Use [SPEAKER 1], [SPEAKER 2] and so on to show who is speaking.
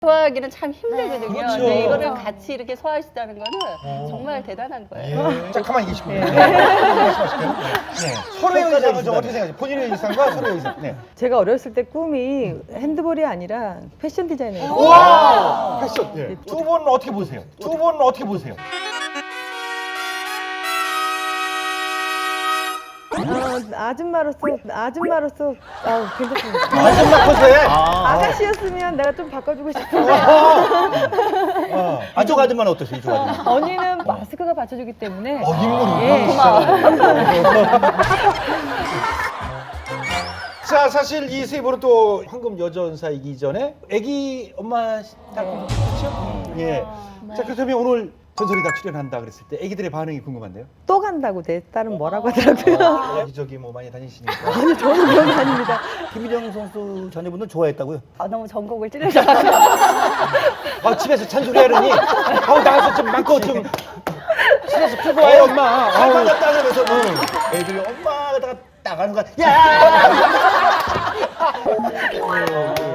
[SPEAKER 1] 소화하기는 참 힘들거든요.
[SPEAKER 2] 그렇죠.
[SPEAKER 1] 근데 이거를 같이 이렇게 소화하시다는 거는 정말 대단한 거예요.
[SPEAKER 2] 자, 가만히 계시고요. 말씀하실게요. 네. 서로의 의상은 좀 어떻게 생각하세요? 본인의 의상과 서로의 의상. 네.
[SPEAKER 3] 제가 어렸을 때 꿈이 핸드볼이 아니라 패션 디자이너예요.
[SPEAKER 2] 와! 패션. 예. 두 분은 어떻게 보세요? 두 분은 어떻게 보세요?
[SPEAKER 3] 아줌마로서 괜찮습니다.
[SPEAKER 2] 아줌마 컨셉.
[SPEAKER 3] 아가씨였으면 내가 좀 바꿔주고 싶은데
[SPEAKER 4] 이쪽 아줌마는 어떠세요? 이쪽 아줌마.
[SPEAKER 3] 언니는 마스크가 받쳐주기 때문에
[SPEAKER 2] 인물이
[SPEAKER 3] 예.
[SPEAKER 2] 자, 사실 이 세 분은 또 황금 여전사이기 전에 아기 엄마 딱 그렇죠? 예. 자, 그렇다면 오늘 전설이 다 출연한다 그랬을 때 아기들의 반응이 궁금한데요.
[SPEAKER 3] 또 간다고 내 딸은 뭐라고 하더라고요.
[SPEAKER 2] 여기저기 뭐 많이 다니시니까.
[SPEAKER 3] 아니 저는 그런 거 아닙니다.
[SPEAKER 4] 김희정 선수 자녀분들 좋아했다고요?
[SPEAKER 1] 너무 전곡을 찌르셔서
[SPEAKER 2] 집에서 잔소리 하려니 나가서 좀 많고 좀 스트레스 풀고 와요 엄마.
[SPEAKER 4] 할망가 따면서 애들이 엄마가 나가는 거야. 야!